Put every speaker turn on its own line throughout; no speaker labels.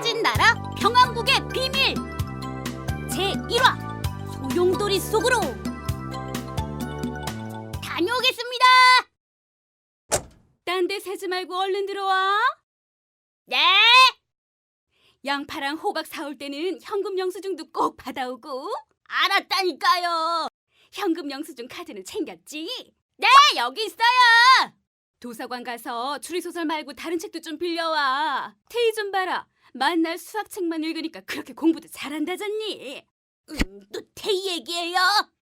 사라진 나라 평왕국의 비밀 제1화 소용돌이 속으로 다녀오겠습니다. 딴 데 새지 말고 얼른 들어와. 네. 양파랑 호박 사올 때는 현금 영수증도 꼭 받아오고. 알았다니까요. 현금 영수증 카드는 챙겼지? 네, 여기 있어요. 도서관 가서 추리소설 말고 다른 책도 좀 빌려와. 태희 좀 봐라. 만날 수학책만 읽으니까 그렇게 공부도 잘한다잖니. 또 태희 얘기예요?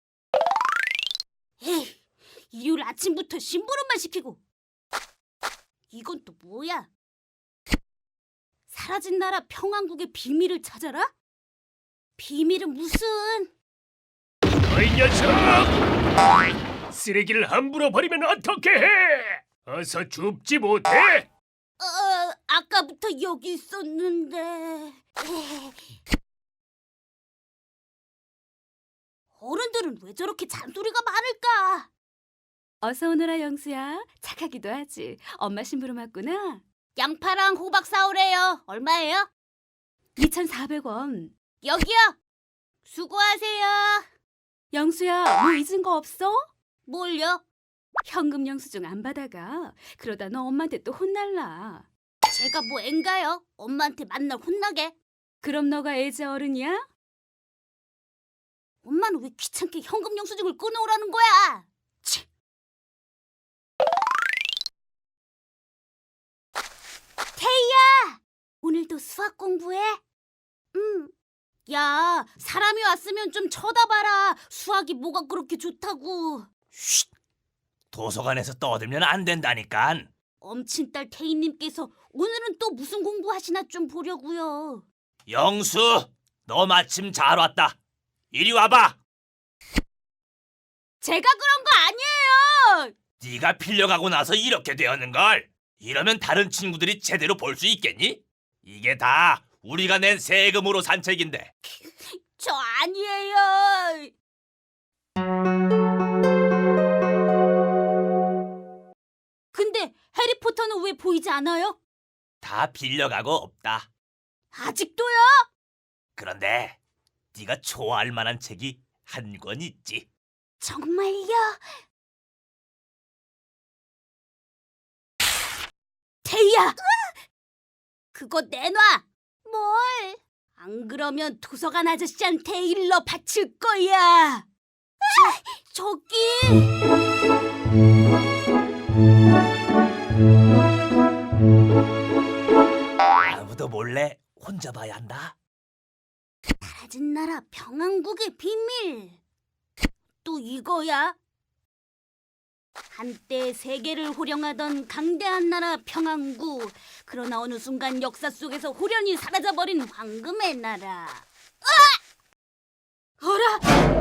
에이, 일요일 아침부터 심부름만 시키고. 이건 또 뭐야? 사라진 나라 평왕국의 비밀을 찾아라? 비밀은 무슨...
이 녀석! 쓰레기를 함부로 버리면 어떻게 해? 어서 줍지 못해?
아까부터 여기 있었는데... 어른들은 왜 저렇게 잔소리가 많을까? 어서 오너라 영수야. 착하기도 하지. 엄마 심부름 왔구나. 양파랑 호박 사오래요. 얼마예요? 2,400원. 여기요. 수고하세요. 영수야, 뭐 잊은 거 없어? 뭘요? 현금 영수증 안 받아가. 그러다 너 엄마한테 또 혼날라. 제가 뭐 앤가요? 엄마한테 만날 혼나게. 그럼 너가 애지 어른이야? 엄마는 왜 귀찮게 현금 영수증을 끊어오라는 거야? 치. 태희야! 오늘도 수학 공부해? 야, 사람이 왔으면 좀 쳐다봐라. 수학이 뭐가 그렇게 좋다고.
쉿! 도서관에서 떠들면 안 된다니깐.
엄친딸 태희님께서 오늘은 또 무슨 공부하시나 좀 보려고요.
영수, 너 마침 잘 왔다. 이리 와봐.
제가 그런 거 아니에요.
네가 필려가고 나서 이렇게 되었는걸. 이러면 다른 친구들이 제대로 볼 수 있겠니? 이게 다 우리가 낸 세금으로 산 책인데.
저 아니에요. 근데 해리포터는 왜 보이지 않아요?
다 빌려가고 없다.
아직도요?
그런데 네가 좋아할 만한 책이 한 권 있지.
정말요? 태희야! 그거 내놔! 뭘? 안 그러면 도서관 아저씨한테 일러 바칠 거야. 저기...
아무도 몰래 혼자 봐야 한다.
사라진 나라 평왕국의 비밀. 또 이거야? 한때 세계를 호령하던 강대한 나라 평왕국. 그러나 어느 순간 역사 속에서 호련히 사라져버린 황금의 나라. 어라!